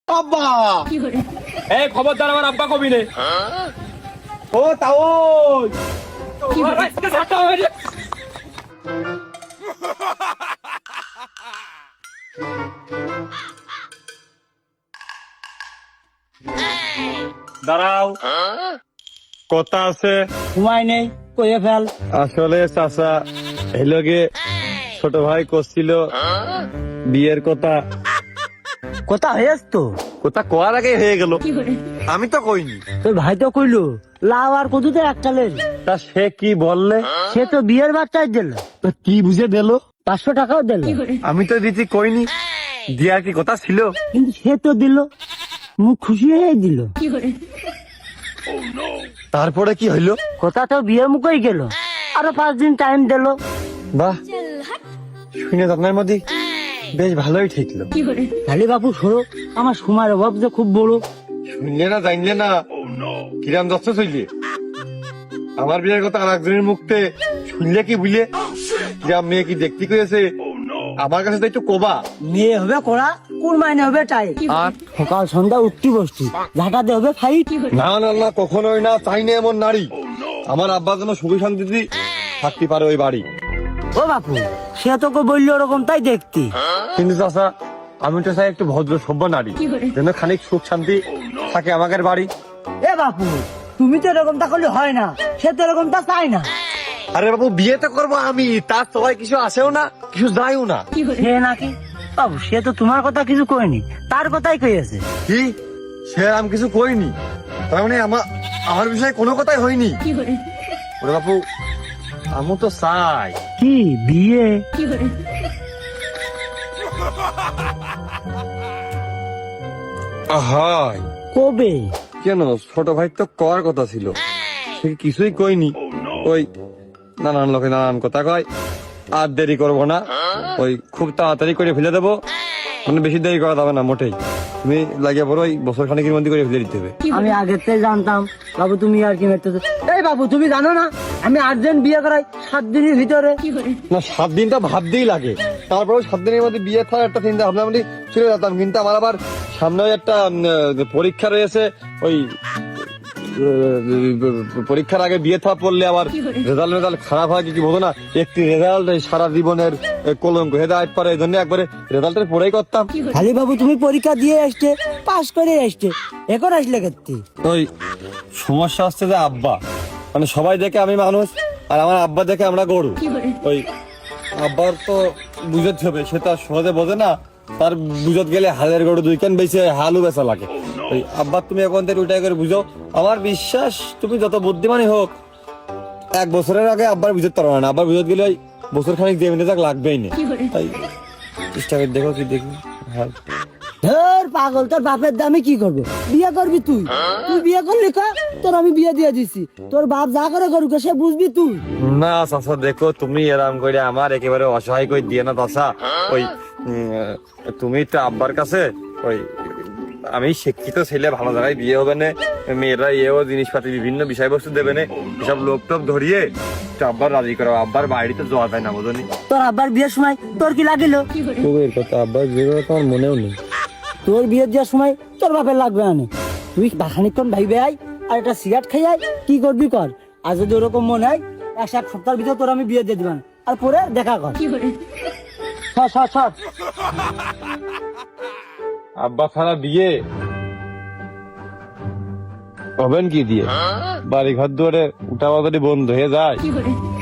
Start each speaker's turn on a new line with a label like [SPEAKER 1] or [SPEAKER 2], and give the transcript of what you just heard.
[SPEAKER 1] আব্বা
[SPEAKER 2] এই খবরদার আমার আব্বা কবি নে।
[SPEAKER 1] ও তাও
[SPEAKER 3] দাঁড়াও, কথা আছে।
[SPEAKER 4] সময় নেই, কয়ে ফেল।
[SPEAKER 3] আসলে চাচা এলগে ছোট ভাই করছিল বিয়ের কথা।
[SPEAKER 4] কথা হয়েছ তো?
[SPEAKER 3] কথা কোয়ার আগে হয়ে গেল, আমি তো কইনি।
[SPEAKER 4] তোর ভাই তো কইলো লাভ আর কদুতে একটালের।
[SPEAKER 3] তা সে কি বললে?
[SPEAKER 4] সে তো বিয়ের বাচ্চাই দিল,
[SPEAKER 3] তো কি বুঝে দিল?
[SPEAKER 4] 500 টাকাও দিল।
[SPEAKER 3] আমি তো দিতে কইনি, দিয়ার কি কথা ছিল?
[SPEAKER 4] কিন্তু সে তো দিল, মুখ খুশি হয়ে দিল।
[SPEAKER 3] তারপরে কি হইলো?
[SPEAKER 4] কথা তো বিয়ে মুখেই গেল, আরো 5 দিন টাইম দিল।
[SPEAKER 3] বাহ, শুনে তো আপনার মধ্যে বেশ ভালোই ঠেকলো।
[SPEAKER 4] তাহলে বাপু সরো, আমার সময়ের অভাব যে খুব বড়।
[SPEAKER 3] শুনলে না জানলে না কিরাম যাচ্ছে চললে। আমার বিয়ের কথা আর একজনের মুখতে শুনলে কি বুঝলে? কিরাম মেয়ে কি দেখতে করেছে আমার কাছে তো একটু কোবা।
[SPEAKER 4] মেয়ে হবে কড়া, কোন মাইনে হবে টাই।
[SPEAKER 3] আর
[SPEAKER 4] সকাল সন্ধ্যা উঠতি বসতি, ঝাঁটাতে হবে ফাইট।
[SPEAKER 3] না না না, কখনোই না, চাই না এমন নারী। আমার আব্বা যেন সুখী শান্তিতে থাকতে পারে ওই বাড়ি।
[SPEAKER 4] ও বাপু, সে তোকে বললো ওরকম তাই দেখতি।
[SPEAKER 3] কিন্তু চাচা, আমি তো চাই একটু ভদ্র সভ্য নারী, যেন খানিক সুখ শান্তি থাকে আমাদের বাড়ি।
[SPEAKER 4] এ বাপু, তুমি তো এরকমটা করলে হয় না, সে তো এরকমটা চাই না।
[SPEAKER 3] আরে বাবু, বিয়ে তো করবো আমি, তার সবাই কিছু আসেও না, কিছু যায়ও না।
[SPEAKER 4] সে নাকি? বাবু, সে তো তোমার কথা কিছু কয়নি, তার কথাই কইছে।
[SPEAKER 3] কি? সে আমি কিছু কইনি, তার মানে আমার বিষয়ে কোনো কথাই হয়নি? ওরে বাপু, আমি তো চাই
[SPEAKER 4] কি বিয়ে?
[SPEAKER 3] হয়।
[SPEAKER 4] কবে?
[SPEAKER 3] কেন, ছোট ভাই তো করার কথা ছিল, সে কিছুই কইনি। ওই নানান লোকে নানান কথা কয়। আর দেরি করবো না, ওই খুব তাড়াতাড়ি করে ফেলে দেবো, মানে বেশি দেরি করা যাবে না মোটেই। তুমি লাগিয়ে পড়ো, ওই বছর খানিকের মধ্যে করে ফেলে দিতে হবে।
[SPEAKER 4] আমি আগের থেকে জানতাম বাবু তুমি আর কি মেরতেছো। এই বাবু, তুমি জানো না আমি আর্জেন্ট বিয়ে করাই 7 দিনের ভিতরে।
[SPEAKER 3] না, 7 দিনটা ভাবতেই লাগে, তারপরেও 7 দিনের মধ্যে বিয়ে থাকার একটা চিন্তা ভাবনা বলি চলে যেতাম। কিন্তু আমার আবার সামনে একটা পরীক্ষা রয়েছে, ওই পরীক্ষার আগে বিয়ে থা পড়লে আবার রেজাল্ট খারাপ হয় কি বোঝো না? একটি রেজাল্ট সারা জীবনের কলঙ্ক হেদায়ত পারে, এই জন্য একবারে রেজাল্টের পরেই করতাম।
[SPEAKER 4] খালি বাবু তুমি পরীক্ষা দিয়ে আসছে, পাস করে আসছে, এখন আসলে কেতি?
[SPEAKER 3] ওই সমস্যা হচ্ছে যে আব্বা, মানে সবাই দেখে আমি মানুষ, আর আমার আব্বা দেখে আমরা গরু। ওই আব্বার তো বুঝতে হবে, সে তো আর সহজে বোঝে না। তার বুঝত গেলে হালের গরু 2 কান বেশি হালু বেচা লাগে। ওই আব্বা তুমি এখন থেকে ওইটাই করে বুঝো। আমার বিশ্বাস তুমি যত বুদ্ধিমানই হোক, 1 বছরের আগে আব্বার বুঝতে পারবে না। আব্বার বুঝত গেলে ওই বছর খানিক দিয়ে মিনিট লাগবেই না। তাই চেষ্টা করে দেখো কি দেখি। হ্যাঁ,
[SPEAKER 4] ধর পাগল, তোর বাপের দামে কি করবে? বিয়ে করবি তুই? তুই বিয়ে করলি কা? তোর আমি বিয়ে দিয়ে দিছি, তোর বাপ যা করে করুক সে বুঝবি তুই।
[SPEAKER 3] না চাচা, দেখো তুমি এরাম করে আমার একেবারে অসহায় করে দিয়ে না চাচা। ওই তুমি তো আব্বার কাছে ওই আমি শিক্ষিত ছেলে, ভালো জায়গায় বিয়ে হবে না, মেয়েরা এও জিনিসপাতি বিভিন্ন বিষয়বস্তু দেবে না, সব লোক টোপ ধরিয়ে তো আব্বার রাজি করো। আব্বার বাড়িতে যাওয়া যায় না বোঝনি?
[SPEAKER 4] তোর আব্বার বিয়ের সময় তোর কি লাগিল?
[SPEAKER 3] এর কথা আব্বার বিয়ে তোমার মনেও নেই।
[SPEAKER 4] তোর বিয়ে দেওয়ার সময় তোর বাপের লাগবে না। তুই খানিকক্ষণ ভাইবে আয়, আর একটা সিগারেট খাই আয়, কি করবি কর। আর যদি ওরকম মনে হয় 1 সপ্তাহের ভিতর তোর আমি বিয়ে দিয়ে দিবান, আর পরে দেখা কর। সর সর সর।
[SPEAKER 3] আব্বা ছাড়া বিয়ে হবেন কি দিয়ে? বাড়ি ঘর দুয়ারে উঠা বাদারি বন্ধ হয়ে যায়।